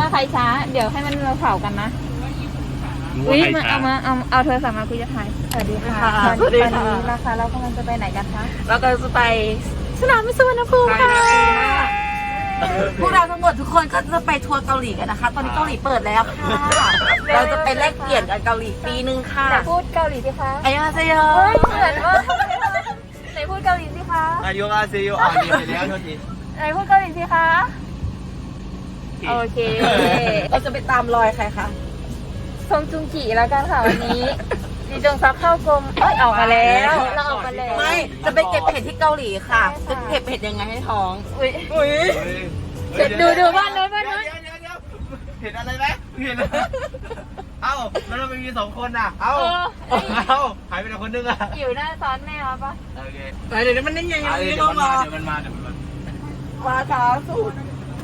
ใครช้าเดี๋ยวให้มันเราเผากันนะอุ้ยเอาโทรศัพท์มาคุยจะถ่ายสวัสดีค่ะสวัสดีค่ะนะคะเรากำลังจะไปไหนกันคะเราก็จะไปสนามบินสุวรรณภูมิค่ะพวกเราทั้งหมดทุกคนก็จะไปทัวร์เกาหลีกันนะคะตอนนี้เกาหลีเปิดแล้วค่ะเราจะไปแลกเปลี่ยนกันเกาหลีปีนึงค่ะแต่พูดเกาหลีสิคะอันยองฮาเซโยเหมือนว่าไหนพูดเกาหลีสิคะอันยองฮาเซโยอ่านดีไปแล้วโทษทีไหนพูดเกาหลีสิคะโอเคเราจะไปตามรอยใครคะทงจุงกีแล้วกันค่ะวันนี้ดีจงซับเข้ากรมออกมาแล้วเราออกมาแล้วไม่จะไปเก็บเห็ดที่เกาหลีค่ะจะเก็บเห็ดยังไงให้ท้องอุ้ยดูบ้านนู้นเห็นอะไรไหมเห็นเอ้าแล้วเราไม่มี2คนอ่ะเอ้าหายไปไหนคนนึงอ่ะอยู่หน้าซ้อนแม่มาปะโอเคเดี๋ยวมันยังไงเดี๋ยวมันมาช้าสุด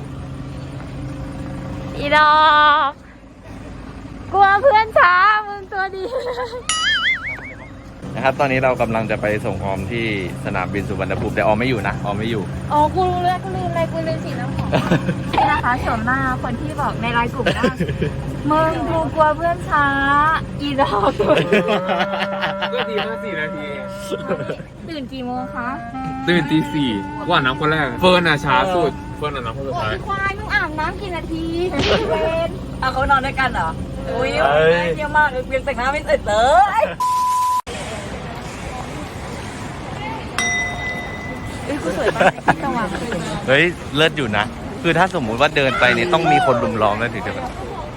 อีดอกกลัวเพื่อนช้ามึงตัวดีนะครับตอนนี้เรากำลังจะไปส่งออมที่สนามบินสุวรรณภูมิแต่ออมไม่อยู่นะออมไม่อยู่อ๋อกูรู้แล้วกูลืมอะไรกูลืมสีน้ำหอมนี่นะคะสวมหน้าคนที่บอกในไลน์กลุ่มว่ามึงกูกลัวเพื่อนช้าอีดอกก็ดีมาก4 นาทีตื่นกี่โมงคะตื่นตี 4ว่าน้ำคนแรกเฟิร์นอ่ะช้าสุดเฟิร์นอ่ะน้ำคนสุดท้ายควายมึงอาบน้ำกี่นาทีเวนเขานอนด้วยกันเหรออุ้ยเยี่ยมมากเพียงแต่งหน้าไม่เสร็จเลย กูสวยมากสว่างเฮ้ยเลิศอยู่นะคือถ้าสมมุติว่าเดินไปเนี่ยต้องมีคนลุมล้อมแล้วถึงจะแบบ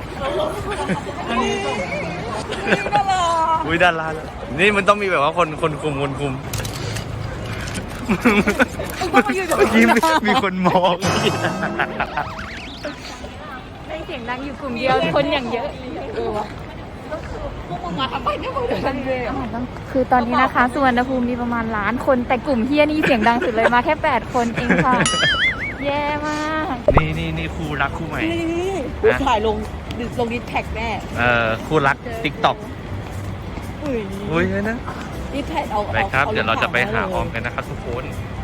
อุ้ยดาราแล้วนี่มันต้องมีแบบว่าคนคุมเมื่อกี้มีคนมองได้เสียงดังอยู่กลุ่มเดียวคนอย่างเยอะคือตอนนี้นะคะสุวรรณภูมิมีประมาณ1 ล้านคนแต่กลุ่มเฮียนี่เสียงดังสุดเลยมาแค่8 คนเองค่ะแย่มากนี่คู่รักคู่ใหม่กูถ่ายลงดิสแท็กแม่คู่รักติ๊กต็อกอุ้ยนะดิสแท็กเอาไปครับเดี๋ยวเราจะไปหาออมกันนะครับทุกคน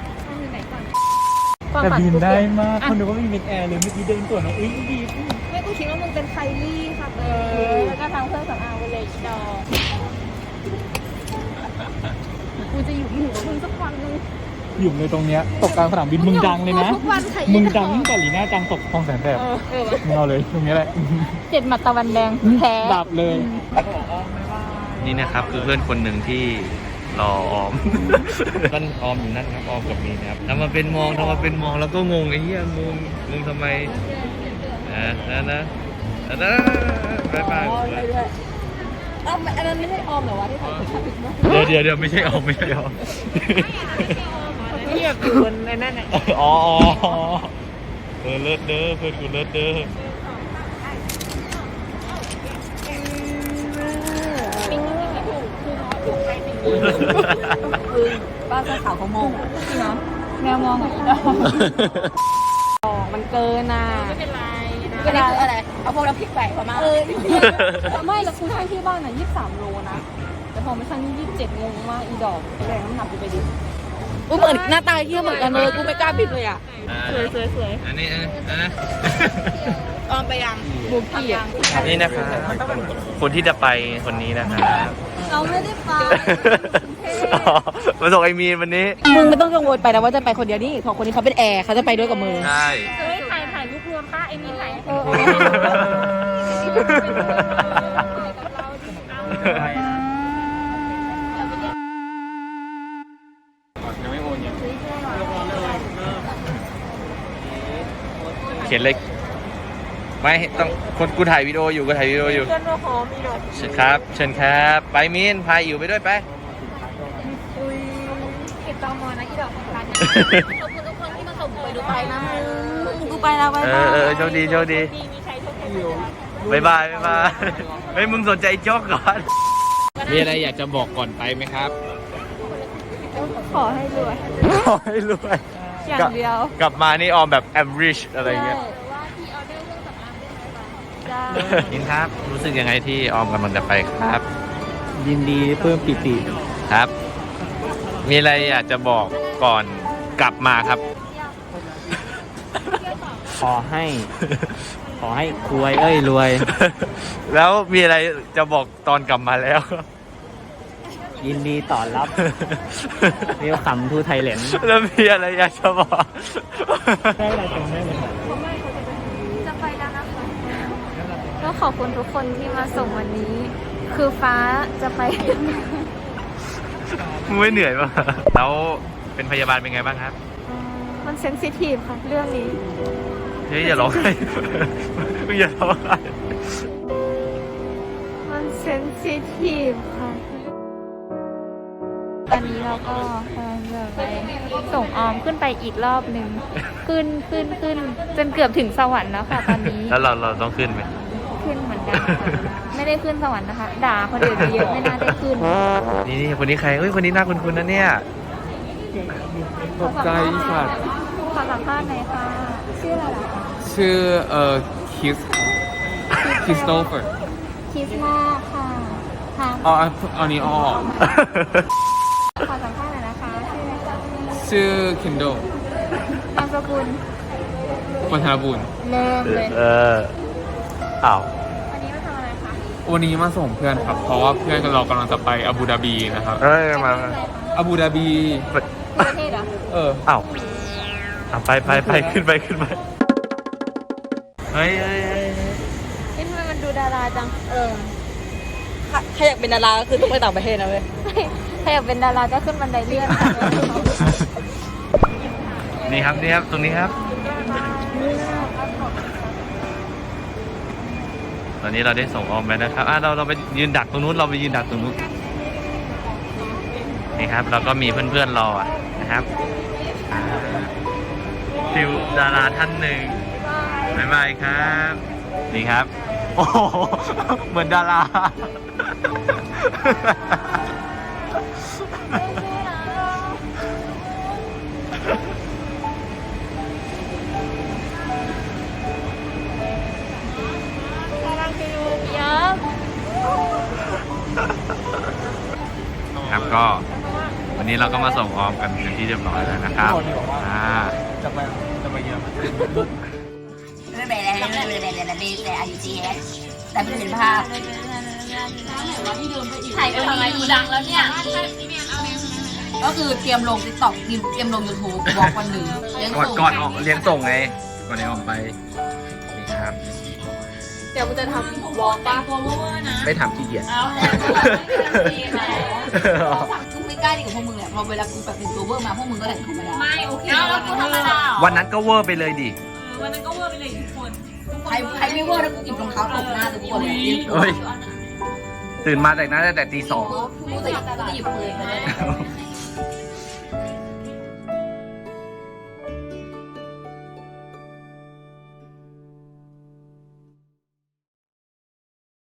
แต่บินได้มากคนดูว่ามีมิดแอร์เลยเมื่อกี้เดินตัวน้องอุ้ยดีไม่กูคิดว่ามึงเป็นไคลี่ค่ะแล้วก็ทำเครื่องสำอางไปเลยดอกกูจะอยู่กับมึงสักวันนึงอยู่ในตรงเนี้ยตกกลางสนามบินมึงดังเลยนะมึงดังยิ่งกว่าหลีน่าจังตกคลองแสนแสบมึงเอาเลยตรงนี้แหละ 7 หมัดตะวันแดงแพ้ดับเลยนี่นะครับคือเพื่อนคนหนึ่งที่รอออมนั่นออมอยู่นั่นครับออมกับมีนะครับทำมาเป็นมองแล้วก็งงไอ้เหี้ยงงทำไมนะบ๊ายบายอันนั้นไม่ใช่ออมเหรอวะที่ถ่ายผิดมากเดี๋ยวไม่ใช่ออมเรียบอยู่บนในนั่นน่ะอ๋อเลิศเด้อเพื่อนกูเลิศเด้อป้าเสื้อขาวเขามองจริงเหรอแมวมองมันเกินอ่ะไม่เป็นไรอะไรเอาพวกเราพลิกแปลกมาไม่แล้วคุณให้ที่บ้านอ่ะ23 โลนะแต่พอมาชั่งนี่27 งงมากอีดอกแรงน้ำหนักกูไปดิกูเหมือนหน้าตาเที่ยวเหมือนกันเลยกูไม่กล้าบิดเลยอ่ะสวยอันนี้ออมไปยังบุกกี้อ่ะนี่นะคะคนที่จะไปคนนี้นะคะเราไม่ได้ไปมาส่งไอมีนวันนี้มึงไม่ต้องกังวลไปนะว่าจะไปคนเดียวนี่ของคนนี้เขาเป็นแอร์เขาจะไปด้วยกับมึงใช่ถ่ายรูปรวมป้าไอมีนถ่ายเขียนเล็กไม่ต้องคนกูถ่ายวิดีโออยู่เชิญหอมมีดอกเชิญครับไปมีนพายอยู่ไปด้วยไปเก็บตอมอนะอีดอกของร้านนะขอบคุณทุกคนที่มาส่งไปดูไปนะกูไปแล้วโชคดีมีใครโชคดีบายเฮ้ยมึงสนใจโจ๊กก่อนมีอะไรอยากจะบอกก่อนไปไหมครับขอให้รวยอย่างเดียวกลับมานี่ออมแบบ average อะไรเงี้ยยินครับรู้สึกยังไงที่ออมกำลังจะไปครับยินดีเพิ่มปิติครับมีอะไรอยากจะบอกก่อนกลับมาครับขอให้ขอให้รวยรวยแล้วมีอะไรจะบอกตอนกลับมาแล้วยินดีต้อนรับเวลคัมทูไทยแลนด์แล้วมีอะไรอยากจะบอกได้อะไรตรงได้เลยครับจะไปแล้วนะคะก็ขอบคุณทุกคนที่มาส่งวันนี้ คือฟ้าจะไปมึงไม่เหนื่อยป่ะแล้วเป็นพยาบาลเป็นไงบ้างครับมันเซนซิทีฟค่ะเรื่องนี้เฮ้ยอย่าร้องไห้ มึงอย่าร้องไห้มันเซนซิทีฟค่ะ ตอนนี้เราก็กำลังจะไปส่งออมขึ้นไปอีกรอบหนึ่ง ขึ้นจนเกือบถึงสวรรค์แล้วค่ะตอนนี้แล้วเราต้องขึ้นไหมขึ้นเหมือนกันค่ะไม่ได้ขึ้นสวรรค์นะคะ ด่าคนอื่นไปเยอะไม่น่าได้ขึ้นนี่คนนี้ใครเอ้ยคนนี้น่าคุ้นๆนะเนี่ยตกใจสัตว์ขอสัมภาษณ์หน่อยค่ะ ชื่ออะไรล่ะคะชื่อคริสโตเฟอร์คริสมาค่ะทางอ๋ออันนี้อ๋อขอสัมภาษณ์หน่อยนะคะ ชื่ออะไรคะชื่อคินโดนามสกุลวัฒนบุญเริ่มเลยอ้าววันนี้มาทำอะไรคะวันนี้มาส่งเพื่อนครับ เพราะว่าเพื่อนเรากำลังจะไปอาบูดาบีนะครับเอ้ยมาอาบูดาบีประเทศเหรออ้าวไปขึ้นไปเฮ้ยนี่ทำไมมันดูดาราจังถ้าอยากเป็นดาราก็คือต้องไปต่างประเทศนะเว้ยถ้าอยากเป็นดาราก็ขึ้นบันไดเลื่อนค่ะนี่ครับตรงนี้ครับ ตอนนี้เราได้ส่งออมไปนะครับเราไปยืนดักตรงนู้นนี่ครับเราก็มีเพื่อนๆรอนะครับฟิวดาราท่านหนึ่งบ๊ายบายครับ นี่ครับ โอ้โหเหมือนดาราเยอะครับก็วันนี้เราก็มาส่งออมกันเป็นที่เรียบร้อยแล้วนะครับจะไปเยอะไม่เป็นไรแต่อายุจีเอสแต่ไม่เห็นภาพถ่ายไปทำไมกูดังแล้วเนี่ยก็คือเตรียมลงติ๊กต็อกเตรียมลงยูทูบวอล์กวันหนึ่งเลี้ยงส่งก่อนออกเลี้ยงส่งไงก่อนจะออกไปนี่ครับเดี๋ยวมันจะทำวอล์กป่ะไม่ทำขี้เกียจกูไม่กล้าดีกับพวกมึงเนี่ยพอเวลากูแบบเป็นตัวเวอร์มาพวกมึงก็แต่งธรรมดาไม่โอเคแล้วกูธรรมดาวันนั้นก็เวอร์ไปเลยดิใครไม่เวอร์แล้วกูหยิบรองเท้าตบหน้าทุกคนเลยเฮ้ยตื่นมาแต่งหน้าตั้งแต่ตี 2 กูจะหยิบปืนมาเลย